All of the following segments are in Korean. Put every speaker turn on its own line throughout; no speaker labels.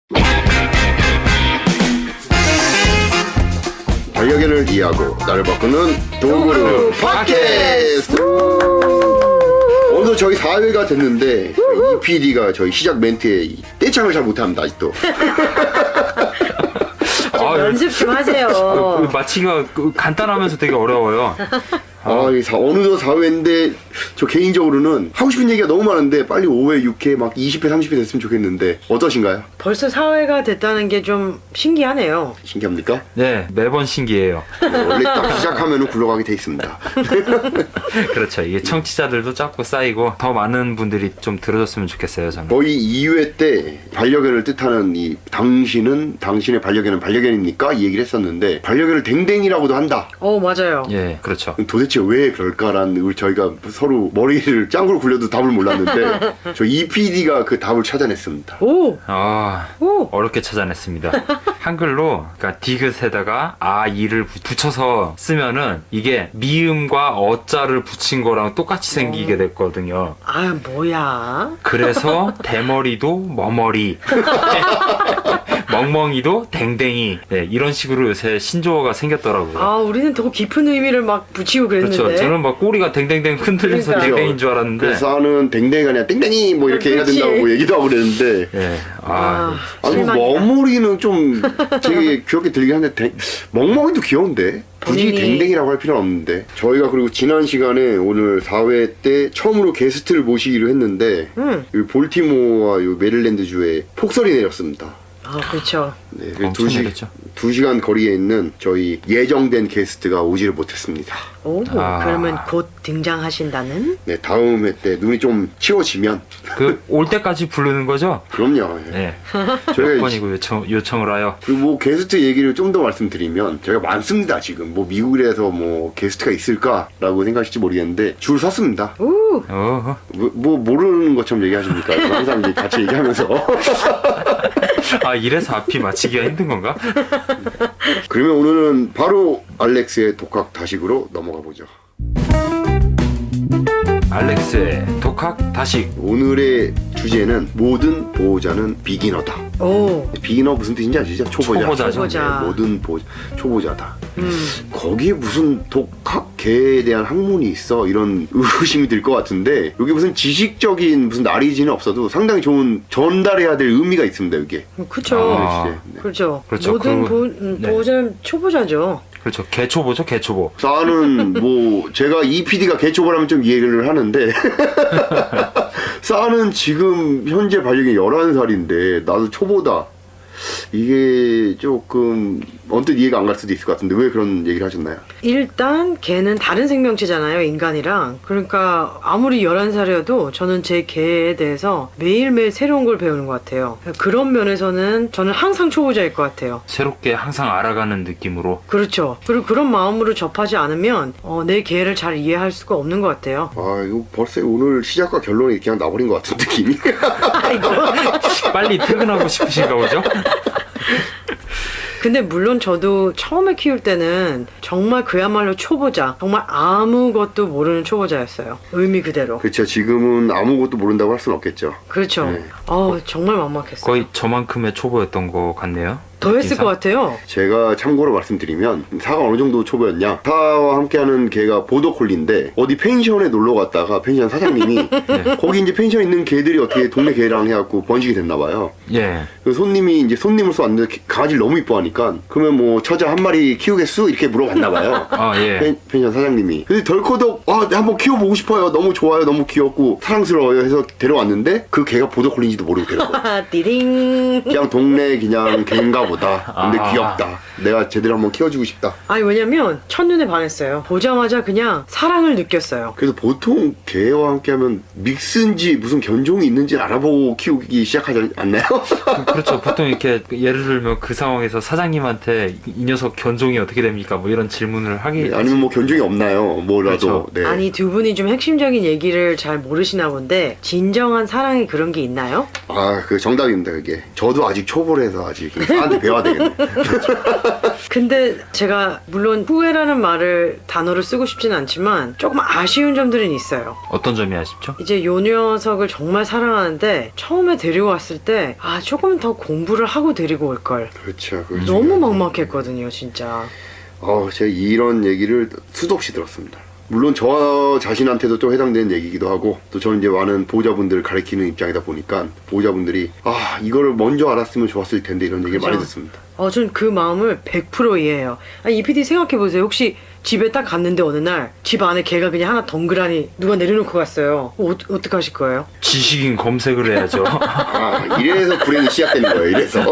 반려견을 이해하고 나를 바꾸는 도구루 팟캐스트. 오늘 저희 4회가 됐는데 이 PD가 저희 시작 멘트에 떼창을 잘 못합니다 아직도.
연습 좀 하세요.
마치기가 간단하면서 되게 어려워요.
어느덧 4회인데 저 개인적으로는 하고 싶은 얘기가 너무 많은데 빨리 5회, 6회 막 20회, 30회 됐으면 좋겠는데 어떠신가요?
벌써 4회가 됐다는 게 좀 신기하네요.
신기합니까?
네, 매번 신기해요.
원래 딱 시작하면 굴러가게 돼 있습니다.
그렇죠. 이게 청취자들도 자꾸 쌓이고 더 많은 분들이 좀 들어줬으면 좋겠어요, 저는.
거의 2회 때 반려견을 뜻하는 이 당신의 반려견은 반려견입니까? 이 얘기를 했었는데 반려견을 댕댕이라고도 한다.
맞아요.
예, 그렇죠.
도대체 왜 그럴까라는 저희가 서로 머리를 짱구로 굴려도 답을 몰랐는데 저 EPD가 그 답을 찾아냈습니다.
오!
어렵게 찾아냈습니다. 한글로, 그러니까 디귿에다가 이를 붙여서 쓰면은 이게 미음과 어자를 붙인 거랑 똑같이 생기게 됐거든요.
뭐야?
그래서 대머리도 머머리, 멍멍이도 댕댕이, 네, 이런 식으로 요새 신조어가 생겼더라고요.
우리는 더 깊은 의미를 막 붙이고 그랬는데.
그렇죠. 저는 막 꼬리가 댕댕댕 흔들려서
그러니까요.
댕댕이인 줄 알았는데.
그래서 하는 댕댕이가 아니라 땡땡이 뭐 이렇게 해야 된다고 얘기도 하고 그랬는데
예.
실망이다.
머머리는 좀 되게 귀엽게 들리긴 한데 멍멍이도 귀여운데 굳이
본인이-
댕댕이라고 할 필요는 없는데 저희가 그리고 지난 시간에 오늘 4회 때 처음으로 게스트를 모시기로 했는데 이 볼티모어와 요 메릴랜드주에 폭설이 내렸습니다.
그렇죠.
네,
엄청 내렸죠.
2시간 거리에 있는 저희 예정된 게스트가 오지를 못했습니다.
그러면 곧 등장하신다는?
네, 다음 회 때 눈이 좀 치워지면
올 때까지 부르는 거죠?
그럼요. 예.
네.
저희가
몇 번이고 요청을 하여.
그리고 뭐 게스트 얘기를 좀 더 말씀드리면 저희가 많습니다 지금. 뭐 미국에서 뭐 게스트가 있을까라고 생각하실지 모르겠는데 줄 섰습니다.
어허.
뭐 모르는 것처럼 얘기하십니까? 항상 이제 같이 얘기하면서.
이래서 앞이 맞히기가 힘든 건가?
그러면 오늘은 바로 알렉스의 독학 다식으로 넘어가 보죠.
알렉스의 독학 다식.
오늘의 주제는 모든 보호자는 비기너다. 비기너 무슨 뜻인지 아시죠? 초보자.
초보자.
네, 모든 초보자다. 거기에 무슨 독학계에 대한 학문이 있어? 이런 의심이 들 것 같은데 여기 무슨 지식적인 무슨 나리지는 없어도 상당히 좋은 전달해야 될 의미가 있습니다. 여기에.
그렇죠.
네.
그렇죠.
그렇죠.
모든
네.
보호자는 초보자죠.
그렇죠. 개초보죠, 개초보.
싸는 뭐 제가 이 PD가 개초보라면 좀 이해를 하는데 싸는 지금 현재 반려견이 11살인데 나도 초보다. 이게 조금 언뜻 이해가 안 갈 수도 있을 것 같은데 왜 그런 얘기를 하셨나요?
일단 개는 다른 생명체잖아요, 인간이랑. 그러니까 아무리 11살이어도 저는 제 개에 대해서 매일매일 새로운 걸 배우는 것 같아요. 그런 면에서는 저는 항상 초보자일 것 같아요.
새롭게 항상 알아가는 느낌으로.
그렇죠. 그리고 그런 마음으로 접하지 않으면 내 개를 잘 이해할 수가 없는 것 같아요.
이거 벌써 오늘 시작과 결론이 그냥 나버린 것 같은 느낌이.
아이고.
빨리 퇴근하고 싶으신가 보죠?
근데 물론 저도 처음에 키울 때는 정말 그야말로 초보자, 정말 아무것도 모르는 초보자였어요. 의미 그대로.
그렇죠. 지금은 아무것도 모른다고 할 수는 없겠죠.
그렇죠.
네.
정말 막막했어요.
거의 저만큼의 초보였던 것 같네요.
더 했을
느낌상.
것 같아요.
제가 참고로 말씀드리면 사가 어느 정도 초보였냐, 사와 함께하는 개가 보더콜리인데 어디 펜션에 놀러 갔다가 펜션 사장님이 거기 이제 펜션 있는 개들이 어떻게 동네 개랑 해갖고 번식이 됐나 봐요.
예.
그 손님이 이제 손님으로서 왔는데 강아지를 너무 이뻐하니까 그러면 뭐 처자 한 마리 키우겠수? 이렇게 물어봤나 봐요.
예.
펜션 사장님이. 근데 덜커덕 한번 키워보고 싶어요. 너무 좋아요. 너무 귀엽고 사랑스러워요 해서 데려왔는데 그 개가 보더콜리인지도 모르고 데려왔어요.
띠링.
그냥 동네 그냥 개인가 보다. 근데
아.
귀엽다. 내가 제대로 한번 키워주고 싶다.
왜냐면 첫눈에 반했어요. 보자마자 그냥 사랑을 느꼈어요.
그래서 보통 개와 함께하면 믹스인지 무슨 견종이 있는지 알아보고 키우기 시작하지 않나요?
그렇죠. 보통 이렇게 예를 들면 그 상황에서 사장님한테 이 녀석 견종이 어떻게 됩니까? 뭐 이런 질문을 하기.
네, 아니면 뭐 견종이 없나요? 뭐라도.
그렇죠.
네.
아니, 두 분이 좀 핵심적인 얘기를 잘 모르시나 본데 진정한 사랑이 그런 게 있나요?
그 정답입니다. 그게. 저도 아직 초보라서 아직. 개한테 배워야 되겠네.
근데 제가 물론 후회라는 말을 단어를 쓰고 싶진 않지만 조금 아쉬운 점들은 있어요.
어떤 점이 아쉽죠?
이제 요 녀석을 정말 사랑하는데 처음에 데리고 왔을 때 조금 더 공부를 하고 데리고 올 걸.
그렇죠. 그렇죠.
너무 막막했거든요, 진짜.
제가 이런 얘기를 수도 없이 들었습니다. 물론 저 자신한테도 좀 해당되는 얘기기도 하고, 또 저는 이제 많은 보호자분들을 가르치는 입장이다 보니까 보호자분들이 이거를 먼저 알았으면 좋았을 텐데 이런 얘기를
그죠.
많이 듣습니다.
전 그 마음을 100% 이해해요. 이 PD 생각해보세요. 혹시 집에 딱 갔는데 어느 날 집 안에 개가 그냥 하나 덩그라니 누가 내려놓고 갔어요. 어떡하실 거예요?
지식인 검색을 해야죠.
이래서 불행이 시작되는 거예요. 이래서.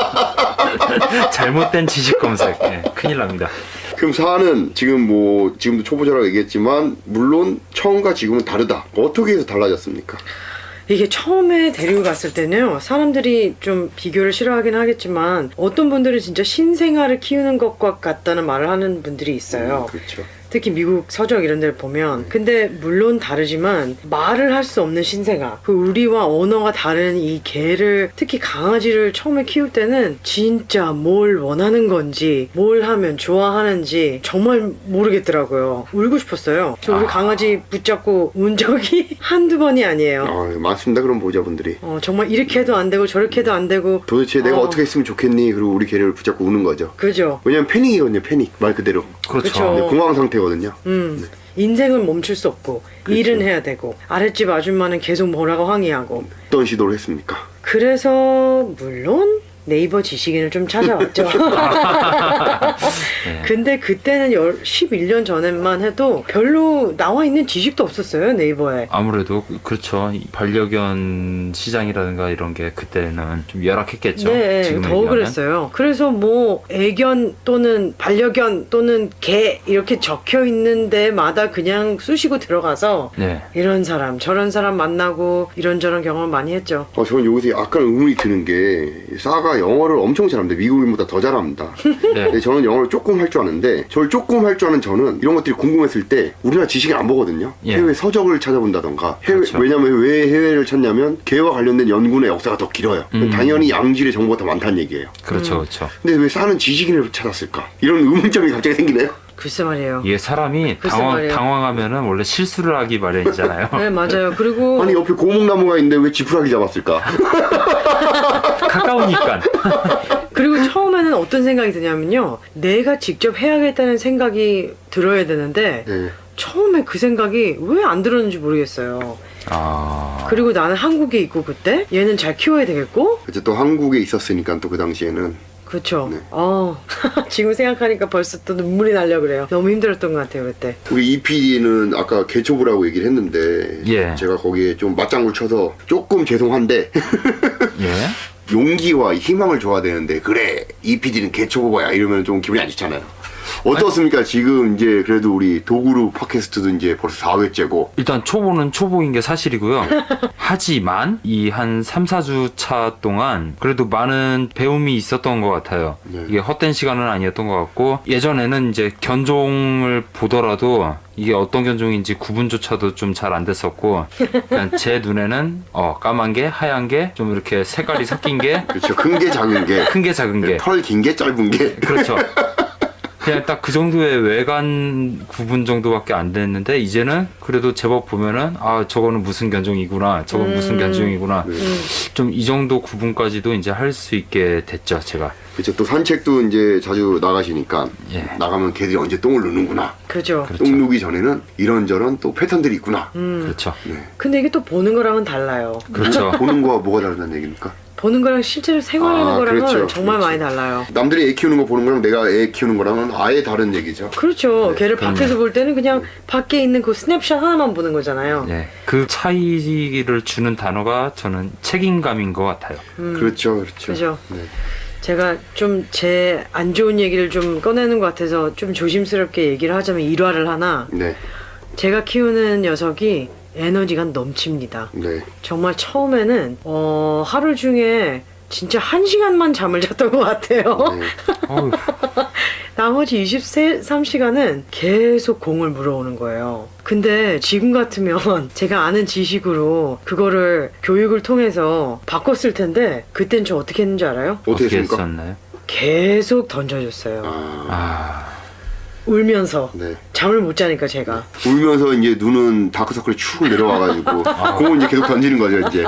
잘못된 지식 검색. 네, 큰일 납니다.
그럼 사안은 지금도 초보자라고 얘기했지만 물론 처음과 지금은 다르다. 어떻게 해서 달라졌습니까?
이게 처음에 데리고 갔을 때는요, 사람들이 좀 비교를 싫어하긴 하겠지만 어떤 분들은 진짜 신생아를 키우는 것과 같다는 말을 하는 분들이 있어요.
그렇죠.
특히 미국 서적 이런 데를 보면. 근데 물론 다르지만 말을 할 수 없는 신생아, 그 우리와 언어가 다른 이 개를, 특히 강아지를 처음에 키울 때는 진짜 뭘 원하는 건지 뭘 하면 좋아하는지 정말 모르겠더라고요. 울고 싶었어요. 저 우리 강아지 붙잡고 운 적이 한두 번이 아니에요.
많습니다. 그런 보호자분들이.
정말 이렇게 해도 안 되고 저렇게 해도 안 되고.
도대체 내가 어떻게 했으면 좋겠니? 그리고 우리 개를 붙잡고 우는 거죠.
그죠.
왜냐면 패닉이거든요. 패닉. 말 그대로.
그렇죠.
네, 공황 상태거든요.
인생은 멈출 수 없고
그렇죠.
일은 해야 되고 아랫집 아줌마는 계속 뭐라고 항의하고.
어떤 시도를 했습니까?
그래서 물론 네이버 지식인을 좀 찾아왔죠. 근데 그때는 11년 전에만 해도 별로 나와 있는 지식도 없었어요, 네이버에.
아무래도 그렇죠. 이 반려견 시장이라든가 이런 게 그때는 좀 열악했겠죠.
네,
지금에
더
비하면.
그랬어요. 그래서 뭐 애견 또는 반려견 또는 개 이렇게 적혀 있는 데마다 그냥 쑤시고 들어가서
네.
이런 사람 저런 사람 만나고 이런저런 경험을 많이 했죠.
저는 여기서 약간 의문이 드는 게 싸가 영어를 엄청 잘합니다. 미국인보다 더 잘합니다.
네.
근데 저는 영어를 조금 할 줄 아는데, 저를 조금 할 줄 아는 저는 이런 것들이 궁금했을 때 우리나라 지식을 안 보거든요.
예.
해외 서적을 찾아본다던가.
그렇죠.
왜냐면 왜 해외를 찾냐면 개와 관련된 연구의 역사가 더 길어요. 당연히 양질의 정보가 더 많다는 얘기예요.
그렇죠, 그렇죠.
근데 왜 싸는 지식인을 찾았을까? 이런 의문점이 갑자기 생기네요.
글쎄 말이에요.
이게 사람이
글쎄 말이에요.
당황하면 원래 실수를 하기 마련이잖아요.
네, 맞아요. 그리고
아니 옆에 고목나무가 있는데 왜 지푸라기 잡았을까?
가까우니까.
그리고 처음에는 어떤 생각이 드냐면요, 내가 직접 해야겠다는 생각이 들어야 되는데
네.
처음에 그 생각이 왜 안 들었는지 모르겠어요. 그리고 나는 한국에 있고 그때 얘는 잘 키워야 되겠고.
그때 또 한국에 있었으니까 또 그 당시에는.
그렇죠.
네.
지금 생각하니까 벌써 또 눈물이 나려 그래요. 너무 힘들었던 것 같아요 그때.
우리 EPD는 아까 개초보라고 얘기를 했는데,
예.
제가 거기에 좀 맞장구 쳐서 조금 죄송한데
예.
용기와 희망을 줘야 되는데, 그래 EPD는 개초보야 이러면 좀 기분이 안 좋잖아요. 어떻습니까? 지금 이제 그래도 우리 도구루 팟캐스트도 이제 벌써 4회째고.
일단 초보는 초보인 게 사실이고요. 하지만 이 한 3, 4주 차 동안 그래도 많은 배움이 있었던 것 같아요.
네.
이게 헛된 시간은 아니었던 것 같고, 예전에는 이제 견종을 보더라도 이게 어떤 견종인지 구분조차도 좀 잘 안 됐었고, 그냥 제 눈에는 까만 게, 하얀 게, 좀 이렇게 색깔이 섞인 게,
그렇죠. 큰 게 작은 게,
큰 게 작은 게,
털 긴 게 짧은 게.
그렇죠. 그냥 딱 그 정도의 외관 구분 정도밖에 안 됐는데, 이제는 그래도 제법 보면은 저거는 무슨 견종이구나, 저건 무슨 견종이구나, 좀 이 정도 구분까지도 이제 할 수 있게 됐죠, 제가.
그렇죠. 또 산책도 이제 자주 나가시니까,
예.
나가면 개들이 언제 똥을 누는구나.
그죠.
그렇죠.
똥 누기 전에는 이런저런 또 패턴들이 있구나.
그렇죠.
근데 이게 또 보는 거랑은 달라요.
그렇죠.
보는 거와 뭐가 다르다는 얘기입니까?
보는 거랑 실제로 생활하는 거랑은
그렇죠.
정말
그렇죠.
많이 달라요.
남들이 애 키우는 거 보는 거랑 내가 애 키우는 거랑은 아예 다른 얘기죠.
그렇죠.
네,
걔를 밖에서 볼 때는 그냥 밖에 있는 그 스냅샷 하나만 보는 거잖아요.
네. 그 차이를 주는 단어가 저는 책임감인 것 같아요.
그렇죠, 그렇죠.
그죠.
네.
제가 좀 제 안 좋은 얘기를 좀 꺼내는 것 같아서 좀 조심스럽게 얘기를 하자면 일화를 하나.
네,
제가 키우는 녀석이 에너지가 넘칩니다.
네.
정말 처음에는 하루 중에 진짜 1시간만 잠을 잤던 것 같아요.
네.
어휴,
나머지 23시간은 계속 공을 물어오는 거예요. 근데 지금 같으면 제가 아는 지식으로 그거를 교육을 통해서 바꿨을 텐데, 그땐 저 어떻게 했는지 알아요?
어떻게
어떻게
했습니까?
했었나요?
계속 던져줬어요.
아,
울면서.
네.
잠을 못 자니까 제가.
울면서 이제 눈은 다크서클이 축 내려와가지고 그건 이제 계속 던지는 거죠 이제.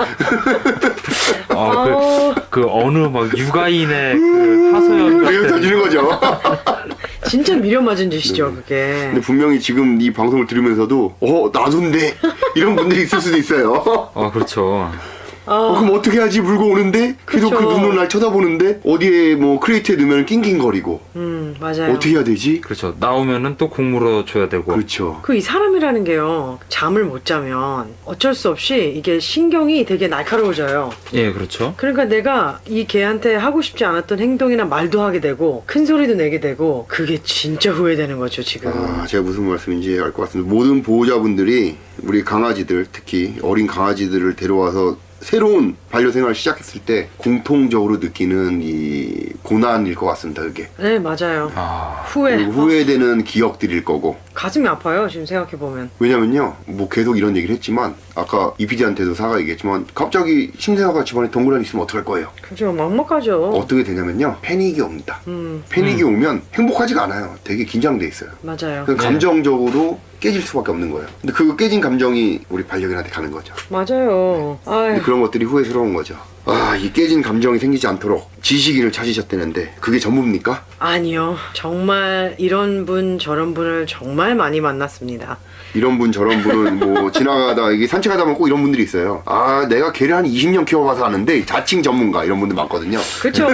그 어느 막 육아인의 그 하소연
계속
같은.
던지는 거죠.
진짜 미련 맞은 짓이죠, 그게.
근데 분명히 지금 이 방송을 들으면서도 나도인데 이런 분들이 있을 수도 있어요.
그렇죠.
그럼 어떻게 하지? 물고 오는데 계속
그쵸.
그 눈으로 날 쳐다보는데 어디에 뭐 크레이트에 넣으면 낑낑거리고
맞아요.
어떻게 해야 되지?
그렇죠. 나오면은 또 국물어 줘야 되고.
그렇죠.
이 사람이라는 게요, 잠을 못 자면 어쩔 수 없이 이게 신경이 되게 날카로워져요.
예, 그렇죠.
그러니까 내가 이 개한테 하고 싶지 않았던 행동이나 말도 하게 되고 큰 소리도 내게 되고 그게 진짜 후회되는 거죠, 지금.
제가 무슨 말씀인지 알 것 같습니다. 모든 보호자분들이 우리 강아지들, 특히 어린 강아지들을 데려와서 새로운 반려생활을 시작했을 때 공통적으로 느끼는 이 고난일 것 같습니다. 그게
네, 맞아요. 후회.
그리고 후회되는 기억들일 거고.
가슴이 아파요, 지금 생각해보면.
왜냐면요, 뭐 계속 이런 얘기를 했지만 아까 이피디한테도 사과 얘기했지만 갑자기 신생아가 집안에 동그라미 있으면 어떡할 거예요?
그죠, 막막하죠.
어떻게 되냐면요, 패닉이 옵니다. 패닉이 오면 행복하지가 않아요. 되게 긴장돼 있어요.
맞아요.
그래서 감정적으로 깨질 수밖에 없는 거예요. 근데 그 깨진 감정이 우리 반려견한테 가는 거죠.
맞아요.
근데
아유,
그런 것들이 후회스러운 거죠. 이 깨진 감정이 생기지 않도록 지식인을 찾으셨다는데 그게 전부입니까?
아니요. 정말 이런 분 저런 분을 정말 많이 만났습니다.
이런 분 저런 분은 뭐 지나가다 이게 산책하다 보면 꼭 이런 분들이 있어요. 내가 개를 한 20년 키워봐서 아는데 자칭 전문가 이런 분들 많거든요.
그렇죠.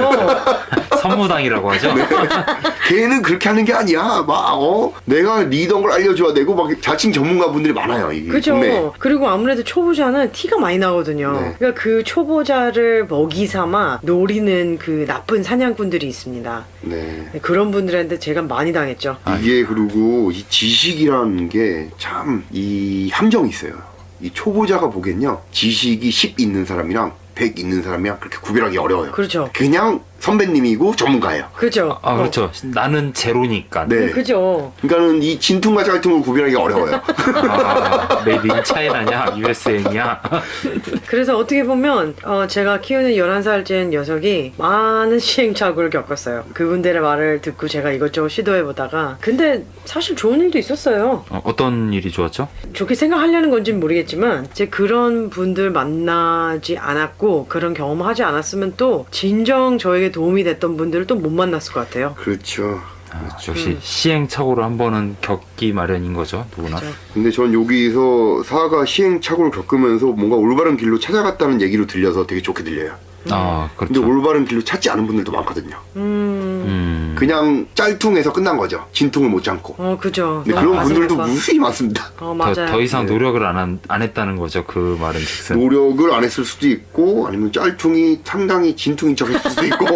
선무당이라고 하죠.
걔는 그렇게 하는 게 아니야. 내가 리더인 걸 알려줘야 되고 막 자칭 전문가 분들이 많아요. 이
그죠.
동네에.
그리고 아무래도 초보자는 티가 많이 나거든요.
네.
그러니까 그 초보자를 먹이 삼아 노리는 그 나쁜 사냥꾼들이 있습니다.
네.
그런 분들한테 제가 많이 당했죠.
이게 그리고 이 지식이라는 게 참 이 함정이 있어요. 이 초보자가 보기엔요, 지식이 10 있는 사람이랑 100 있는 사람이랑 그렇게 구별하기 어려워요.
그렇죠.
그냥 선배님이고 전문가예요.
그죠.
그렇죠. 나는 제로니까.
네.
그죠.
그러니까는 이 진퉁과 짤퉁을 구별하기 어려워요.
메이드 인 차이나냐, USA냐.
그래서 어떻게 보면 제가 키우는 11살째 녀석이 많은 시행착오를 겪었어요. 그분들의 말을 듣고 제가 이것저것 시도해보다가 근데 사실 좋은 일도 있었어요.
어떤 일이 좋았죠?
좋게 생각하려는 건지는 모르겠지만 제 그런 분들 만나지 않았고 그런 경험하지 않았으면 또 진정 저에게 도움이 됐던 분들을 또 못 만났을 것 같아요.
그렇죠.
역시 시행착오를 한 번은 겪기 마련인 거죠, 누구나.
그죠.
근데 전 여기서 사가 시행착오를 겪으면서 뭔가 올바른 길로 찾아갔다는 얘기로 들려서 되게 좋게 들려요. 근데
그렇죠.
올바른 길로 찾지 않은 분들도 많거든요. 그냥 짤퉁에서 끝난 거죠. 진퉁을 못 참고.
그죠.
근데
너무
그런
가슴
분들도
아파.
무수히 많습니다.
맞아요.
더 이상
네.
노력을 안 했다는 거죠, 그 말은 즉슨.
노력을 안 했을 수도 있고 아니면 짤퉁이 상당히 진퉁인 척 했을 수도 있고.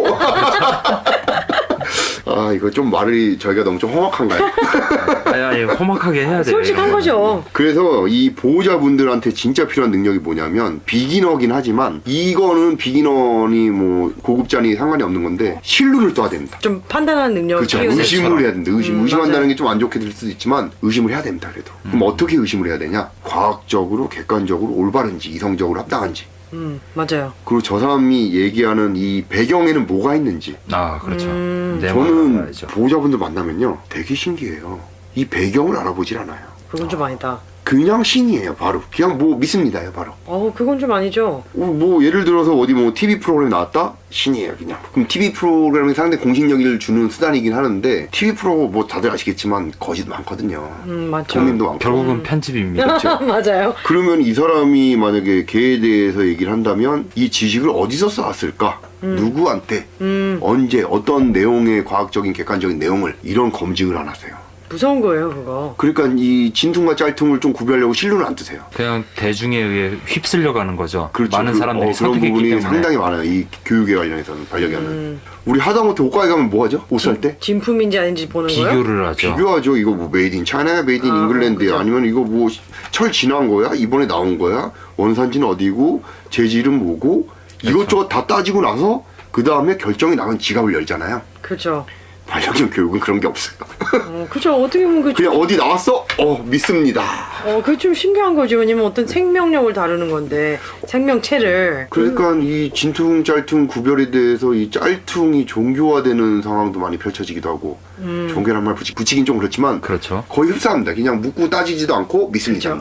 이거 좀 말이 저희가 너무 좀 험악한가요?
아니, 험악하게 해야 돼요.
솔직한 거죠.
그래서 이 보호자분들한테 진짜 필요한 능력이 뭐냐면 비기너긴 하지만 이거는 비기너니 뭐 고급자니 상관이 없는 건데 신뢰를 떠야 됩니다.
좀 판단하는 능력을
그렇죠.
키우는.
의심을 해야 된다. 의심한다는
맞아요.
게 좀 안 좋게 들 수도 있지만 의심을 해야 됩니다. 그래도 그럼 어떻게 의심을 해야 되냐? 과학적으로, 객관적으로 올바른지 이성적으로 합당한지.
맞아요.
그리고 저 사람이 얘기하는 이 배경에는 뭐가 있는지.
그렇죠. 내 말을
저는
알아야죠.
보호자분들 만나면요 되게 신기해요. 이 배경을 알아보질 않아요.
그건 좀 아니다.
그냥 신이에요. 바로 그냥 뭐 믿습니다요. 바로
그건 좀 아니죠.
뭐 예를 들어서 어디 뭐 TV 프로그램 나왔다? 신이에요 그냥. 그럼 TV 프로그램이 상당히 공신력을 주는 수단이긴 하는데 TV 프로 뭐 다들 아시겠지만 거짓 많거든요.
맞죠.
국민도 많고.
결국은 편집입니다.
맞아요.
그러면 이 사람이 만약에 개에 대해서 얘기를 한다면 이 지식을 어디서 쌓았을까? 누구한테? 언제? 어떤 내용의 과학적인 객관적인 내용을 이런 검증을 안 하세요.
무서운 거예요, 그거.
그러니까 이 진퉁과 짤퉁을 좀 구별하려고 신뢰를 안 뜨세요.
그냥 대중에 의해 휩쓸려 가는 거죠.
그렇죠.
많은 사람들이
그런
선택했기
부분이
때문에.
상당히 많아요. 이 교육에 관련해서는 반려견은. 우리 하다못해 옷가게 가면 뭐 하죠? 옷 살 때?
진품인지 아닌지 보는 거예요?
비교를 하죠.
비교하죠. 이거 뭐 메이드 인 차이나야 메이드 인 잉글랜드야
그죠.
아니면 이거 뭐 철 지난 거야? 이번에 나온 거야? 원산지는 어디고 재질은 뭐고
그렇죠.
이것저것 다 따지고 나서 그 다음에 결정이 나면 지갑을 열잖아요.
그죠.
반려견 교육은 그런 게 없어요.
그죠. 어떻게 보면
그냥 어디 나왔어? 믿습니다.
그게 좀 신기한 거죠. 왜냐면 어떤 생명력을 다루는 건데, 생명체를.
그러니까 이 진퉁 짤퉁 구별에 대해서 이 짤퉁이 종교화되는 상황도 많이 펼쳐지기도 하고 종교란 말 붙이긴 좀 그렇지만
그렇죠.
거의 흡사합니다. 그냥 묻고 따지지도 않고 믿습니다.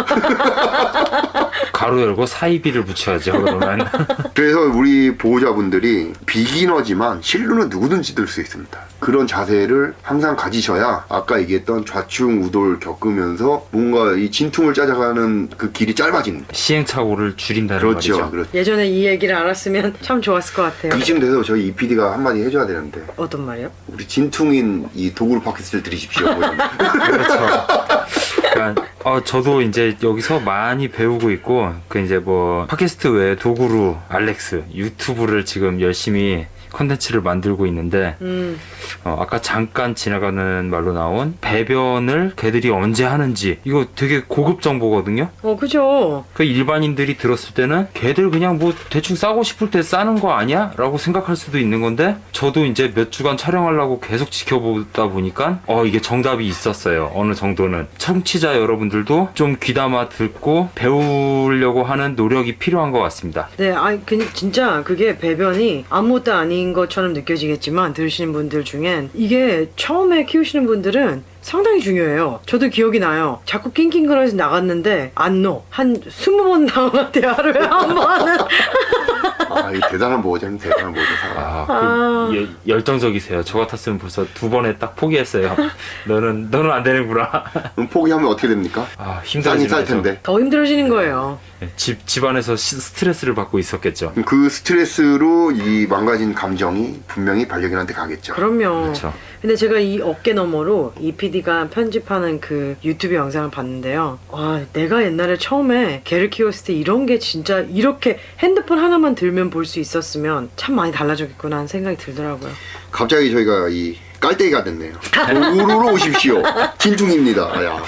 가로 열고 사이비를 붙여야죠. 그러면.
그래서 우리 보호자분들이 비기너지만 실루는 누구든지 들 수 있습니다. 그런 자세를 항상 가지셔야 아까 얘기했던 좌충 우돌 겪으면서 뭔가 이 진퉁을 짜져가는 그 길이 짧아집니다.
시행착오를 줄인다는
그렇죠.
말이죠.
그렇죠.
예전에 이 얘기를 알았으면 참 좋았을 것 같아요.
이쯤 돼서 저희 EPD가 한마디 해줘야 되는데
어떤 말이요?
우리 진퉁인 이 도구를 팟캐스트를 들으십시오.
그렇죠. 그러니까 저도 이제 여기서 많이 배우고 있고 그 이제 뭐 팟캐스트 외에 도구루, 알렉스, 유튜브를 지금 열심히 컨텐츠를 만들고 있는데 아까 잠깐 지나가는 말로 나온 배변을 개들이 언제 하는지 이거 되게 고급 정보거든요.
그죠.
그 일반인들이 들었을 때는 개들 그냥 뭐 대충 싸고 싶을 때 싸는 거 아니야? 라고 생각할 수도 있는 건데 저도 이제 몇 주간 촬영하려고 계속 지켜보다 보니까 이게 정답이 있었어요. 어느 정도는. 청취자 여러분들도 좀 귀담아 듣고 배우려고 하는 노력이 필요한 것 같습니다.
네, 진짜 그게 배변이 아무것도 아닌 것처럼 느껴지겠지만 들으시는 분들 중엔 이게 처음에 키우시는 분들은 상당히 중요해요. 저도 기억이 나요. 자꾸 낑낑거려서 나갔는데 안 넣어. 한 20번 나온 것 같아요. 하루에 한 번은.
이 대단한 보호자님, 대단한 보호자.
열정적이세요. 저 같았으면 벌써 2번에 딱 포기했어요. 너는 안 되는구나.
그럼 포기하면 어떻게 됩니까?
힘들어지는
쌀
거죠.
텐데.
더 힘들어지는 거예요.
집안에서 스트레스를 받고 있었겠죠.
그 스트레스로 이 망가진 감정이 분명히 반려견한테 가겠죠.
그럼요.
그렇죠.
근데 제가 이 어깨 너머로 이 PD가 편집하는 그 유튜브 영상을 봤는데요. 와, 내가 옛날에 처음에 개를 키웠을 때 이런 게 진짜 이렇게 핸드폰 하나만 들면 볼 수 있었으면 참 많이 달라졌겠구나 하는 생각이 들더라고요.
갑자기 저희가 이 깔때기가 됐네요. 도구로 오십시오. 진퉁입니다. 야.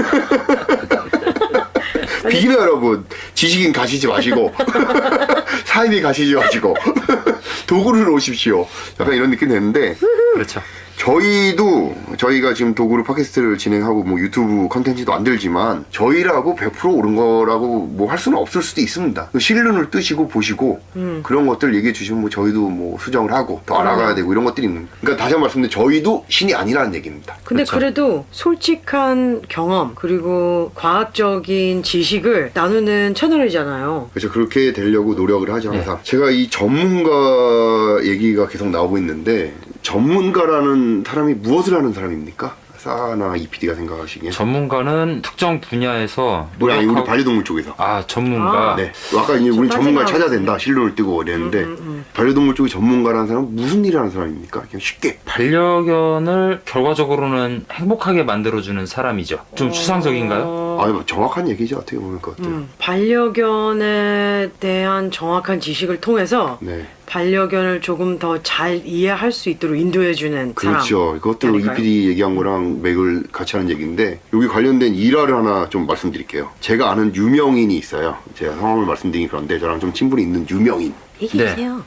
비기너 여러분, 지식인 가시지 마시고 사이비 가시지 마시고 도구를 오십시오. 약간 이런 느낌 됐는데
그렇죠.
저희가 지금 도구로 팟캐스트를 진행하고 뭐 유튜브 컨텐츠도 만들지만 저희라고 100% 옳은 거라고 뭐 할 수는 없을 수도 있습니다. 실눈을 뜨시고 보시고 그런 것들 얘기해 주시면 뭐 저희도 뭐 수정을 하고 더 알아가야 되고 이런 것들이 있는. 그러니까 다시 한 번 말씀드리면 저희도 신이 아니라는 얘기입니다.
근데
그렇죠.
그래도 솔직한 경험 그리고 과학적인 지식을 나누는 채널이잖아요.
그래서 그렇게 되려고 노력을 하죠 항상.
네.
제가 이 전문가 얘기가 계속 나오고 있는데 전문가라는 사람이 무엇을 하는 사람입니까? 사나 EPD가 생각하시기엔
전문가는 특정 분야에서
우리 반려동물 쪽에서.
전문가.
네. 아까 이제 우리 전문가를 찾아야
빠져나오고
된다. 실론을 뜨고 이랬는데 반려동물 쪽의 전문가라는 사람은 무슨 일을 하는 사람입니까? 그냥 쉽게.
반려견을 결과적으로는 행복하게 만들어주는 사람이죠. 좀 추상적인가요?
뭐 정확한 얘기죠. 어떻게 보면 그 것들.
반려견에 대한 정확한 지식을 통해서
네.
반려견을 조금 더 잘 이해할 수 있도록 인도해주는
그렇죠. 그것도
그러니까요.
EPD 얘기한 거랑 맥을 같이 하는 얘기인데 여기 관련된 일화를 하나 좀 말씀드릴게요. 제가 아는 유명인이 있어요. 제가 성함을 말씀드리기 그런데 저랑 좀 친분이 있는 유명인.
얘기해주세요.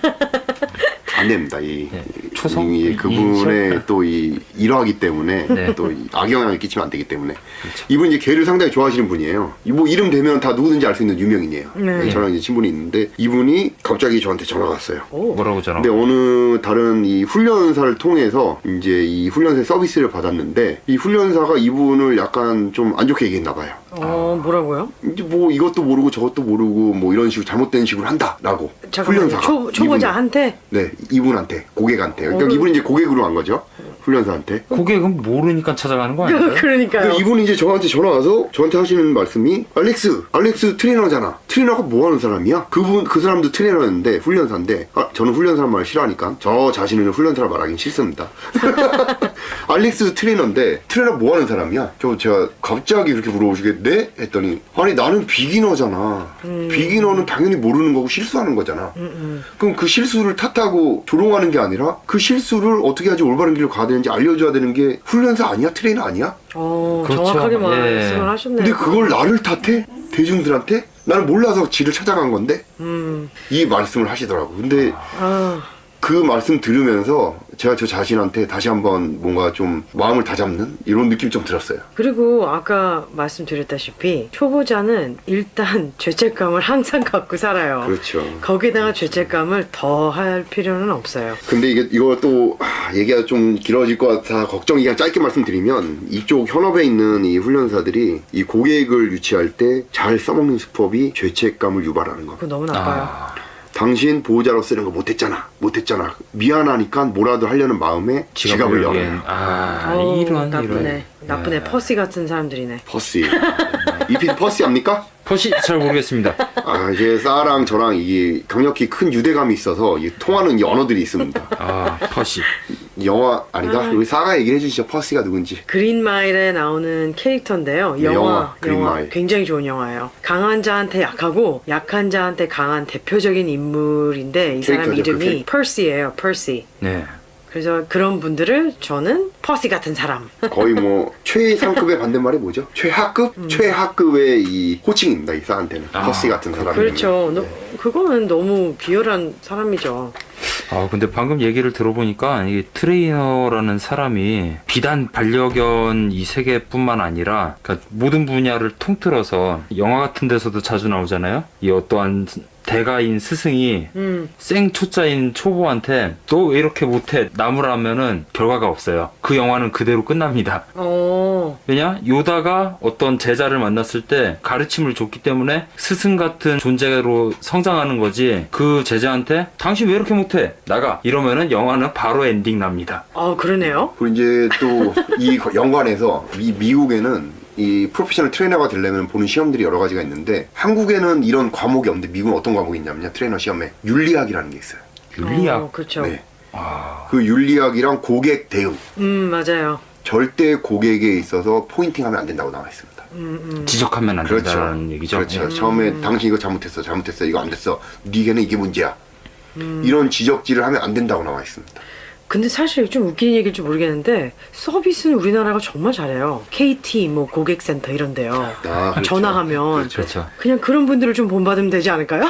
안 됩니다.
초성?
그분의 또 이 일화이기 때문에
네.
또 악영향을 끼치면 안 되기 때문에 이분 이제 개를 상당히 좋아하시는 분이에요. 뭐 이름 되면 다 누구든지 알 수 있는 유명인이에요.
네.
저랑 이제 친분이 있는데 이분이 갑자기 저한테 전화가 왔어요.
뭐라고 전화?
근데 어느 다른 이 훈련사를 통해서 이제 이 훈련사 서비스를 받았는데 이 훈련사가 이분을 약간 좀 안 좋게 얘기했나 봐요.
뭐라고요?
이제 뭐 이것도 모르고 저것도 모르고 뭐 이런 식으로 잘못된 식으로 한다라고
잠깐만요.
훈련사가
초보자한테?
네, 이분한테 고객한테. 그러니까 이분이 이제 고객으로 간 거죠. 훈련사한테.
고객은 모르니까 찾아가는 거 아닌가요?
그러니까요.
이분이 이제 저한테 전화 와서 저한테 하시는 말씀이 알렉스 트레이너잖아. 트레이너가 뭐 하는 사람이야? 그 사람도 트레이너였는데 훈련사인데 저는 훈련사란 말을 싫어하니까 저 자신은 훈련사라 말하긴 싫습니다. 알렉스 트레이너인데 트레이너 뭐 하는 사람이야? 제가 갑자기 그렇게 물어보시겠네? 했더니 아니 나는 비기너잖아. 비기너는 당연히 모르는 거고 실수하는 거잖아. 그럼 그 실수를 탓하고 조롱하는 게 아니라 그 실수를 어떻게 하지 올바른 길로 가야 되는지 알려줘야 되는 게 훈련사 아니야? 트레이너 아니야?
그렇죠.
정확하게
예.
말씀을 하셨네요.
근데 그걸 나를 탓해? 대중들한테? 나는 몰라서 지를 찾아간 건데? 이 말씀을 하시더라고. 근데 그 말씀 들으면서 제가 저 자신한테 다시 한번 뭔가 좀 마음을 다잡는 이런 느낌이 좀 들었어요.
그리고 아까 말씀드렸다시피 초보자는 일단 죄책감을 항상 갖고 살아요.
그렇죠.
거기다가 죄책감을 더 할 필요는 없어요.
근데 이거 또 얘기가 좀 길어질 것 같아 걱정이 그냥 짧게 말씀드리면 이쪽 현업에 있는 이 훈련사들이 이 고객을 유치할 때 잘 써먹는 수법이 죄책감을 유발하는 겁니다.
그거 너무 나빠요.
당신 보호자로서 이런 거 못했잖아 미안하니까 뭐라도 하려는 마음에 지갑을 열어요.
어우,
이런
나쁘네. 퍼시 같은 사람들이네.
퍼시 이 PD 퍼시 합니까?
퍼시 잘 모르겠습니다.
이제 싸랑 저랑 이게 강력히 큰 유대감이 있어서 이 통하는 이 언어들이 있습니다.
퍼시.
영화 아니다. 우리 싸가 얘기를 해주시죠. 퍼시가 누군지.
그린마일에 나오는 캐릭터인데요.
영화, 그린마일.
굉장히 좋은 영화예요. 강한 자한테 약하고 약한 자한테 강한 대표적인 인물인데 이 사람
캐릭터죠, 그
이름이 퍼시예요. 퍼시.
네.
그래서 그런 분들을 저는 퍼시 같은 사람.
거의 뭐 최상급의 반대말이 뭐죠? 최하급? 최하급의 이 호칭입니다. 이 싸한테는 퍼시 같은 사람.
그렇죠. 그거는 너무 비열한 사람이죠.
근데 방금 얘기를 들어보니까 이 트레이너라는 사람이 비단 반려견 이 세계뿐만 아니라 그러니까 모든 분야를 통틀어서 영화 같은 데서도 자주 나오잖아요. 이 어떠한 대가인 스승이 생초짜인 초보한테 너 왜 이렇게 못해? 나무라면은 결과가 없어요. 그 영화는 그대로 끝납니다. 왜냐? 요다가 어떤 제자를 만났을 때 가르침을 줬기 때문에 스승 같은 존재로 성장하는 거지 그 제자한테 당신 왜 이렇게 못해? 나가! 이러면은 영화는 바로 엔딩 납니다.
그러네요.
그리고 이제 또 이 연관에서 미국에는 이 프로페셔널 트레이너가 되려면 보는 시험들이 여러 가지가 있는데 한국에는 이런 과목이 없는데 미국은 어떤 과목이 있냐면요. 트레이너 시험에 윤리학이라는 게 있어요.
윤리학?
그렇죠.
네. 그 윤리학이랑 고객 대응.
맞아요.
절대 고객에 있어서 포인팅하면 안 된다고 나와 있습니다.
지적하면 안 된다는 얘기죠.
그렇죠. 처음에 당신 이거 잘못했어 이거 안 됐어 네게는 이게 문제야. 이런 지적질을 하면 안 된다고 나와 있습니다.
근데 사실 좀 웃기는 얘기일지 모르겠는데 서비스는 우리나라가 정말 잘해요. KT 뭐 고객센터 이런데요.
그렇죠.
전화하면
그렇죠.
그냥 그런 분들을 좀 본받으면 되지 않을까요?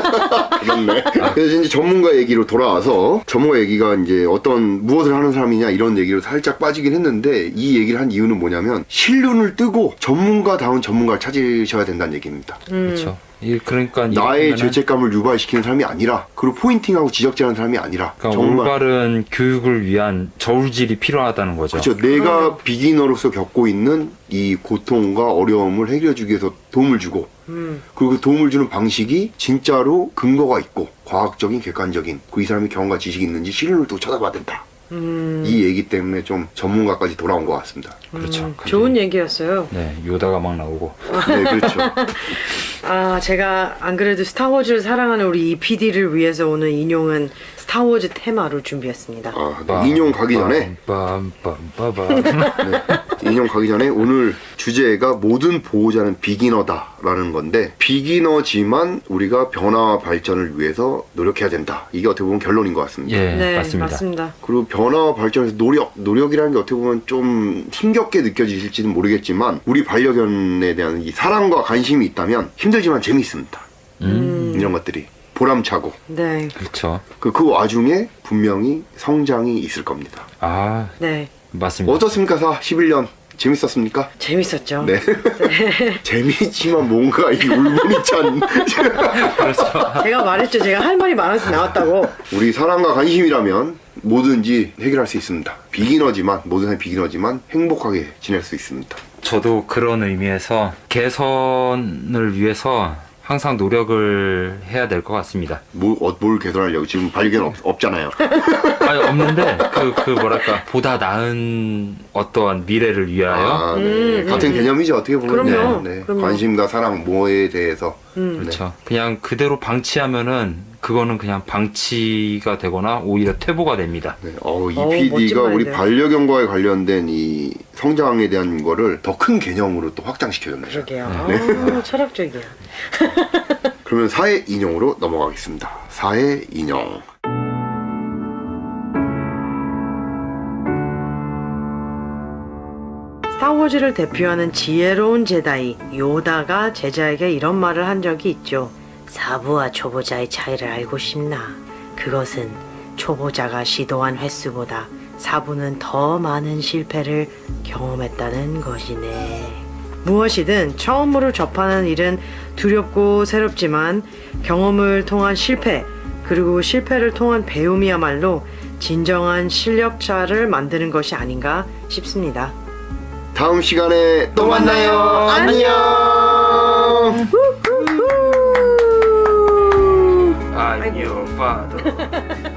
그렇네. 그래서 이제 전문가 얘기로 돌아와서 전문가 얘기가 이제 어떤 무엇을 하는 사람이냐 이런 얘기로 살짝 빠지긴 했는데 이 얘기를 한 이유는 뭐냐면 실눈을 뜨고 전문가다운 전문가를 찾으셔야 된다는 얘기입니다.
그렇죠. 그러니까
나의 죄책감을 유발시키는 사람이 아니라 그리고 포인팅하고 지적질하는 사람이 아니라
그러니까
정말
올바른 교육을 위한 저울질이 필요하다는 거죠.
그렇죠. 내가 비기너로서 겪고 있는 이 고통과 어려움을 해결해주기 위해서 도움을 주고 그리고 그 도움을 주는 방식이 진짜로 근거가 있고 과학적인 객관적인 이 사람이 경험과 지식이 있는지 실론을 또 찾아봐야 된다. 이 얘기 때문에 좀 전문가까지 돌아온 것 같습니다.
그렇죠.
좋은 얘기였어요.
네, 요다가 막 나오고.
네, 그렇죠.
제가 안 그래도 스타워즈를 사랑하는 우리 이 PD를 위해서 오늘 인용은 스타워즈 테마로 준비했습니다.
네, 인용 가기 전에 인용 가기 전에 오늘 주제가 모든 보호자는 비기너다라는 건데 비기너지만 우리가 변화와 발전을 위해서 노력해야 된다. 이게 어떻게 보면 결론인 것 같습니다.
예,
네,
맞습니다.
맞습니다.
그리고 변화와 발전에서 노력이라는 게 어떻게 보면 좀 힘겹게 느껴지실지는 모르겠지만 우리 반려견에 대한 이 사랑과 관심이 있다면 힘들지만 재미있습니다. 이런 것들이 보람차고
네.
그렇죠.
그 와중에 분명히 성장이 있을 겁니다.
네.
맞습니다.
어떻습니까? 11년 재밌었습니까?
재밌었죠.
네. 재미있지만 뭔가 이 울분이 찬
그렇죠.
제가 말했죠. 제가 할 말이 많아서 나왔다고.
우리 사랑과 관심이라면 뭐든지 해결할 수 있습니다. 모든 사람이 비기너지만 행복하게 지낼 수 있습니다.
저도 그런 의미에서 개선을 위해서 항상 노력을 해야 될 것 같습니다.
뭘 개선하려고 지금 반려견 없잖아요.
아니, 없는데 그 뭐랄까 보다 나은 어떠한 미래를 위하여.
네. 같은 개념이죠. 어떻게 보면.
그럼요.
네.
그럼요.
관심과 사랑 뭐에 대해서.
그렇죠. 그냥 그대로 방치하면은 그거는 그냥 방치가 되거나 오히려 퇴보가 됩니다.
네. 이
멋진
PD가 우리
말인데요.
반려견과에 관련된 이 성장에 대한 거를 더 큰 개념으로 또 확장시켜줬네요.
그러게요. 철학적이야.
그러면 4회 인용으로 넘어가겠습니다. 4회 인용.
스타워즈를 대표하는 지혜로운 제다이 요다가 제자에게 이런 말을 한 적이 있죠. 사부와 초보자의 차이를 알고 싶나? 그것은 초보자가 시도한 횟수보다 4부는 더 많은 실패를 경험했다는 것이네. 무엇이든 처음으로 접하는 일은 두렵고 새롭지만 경험을 통한 실패, 그리고 실패를 통한 배움이야말로 진정한 실력자를 만드는 것이 아닌가 싶습니다.
다음 시간에 또 만나요. 안녕.
I'm your father.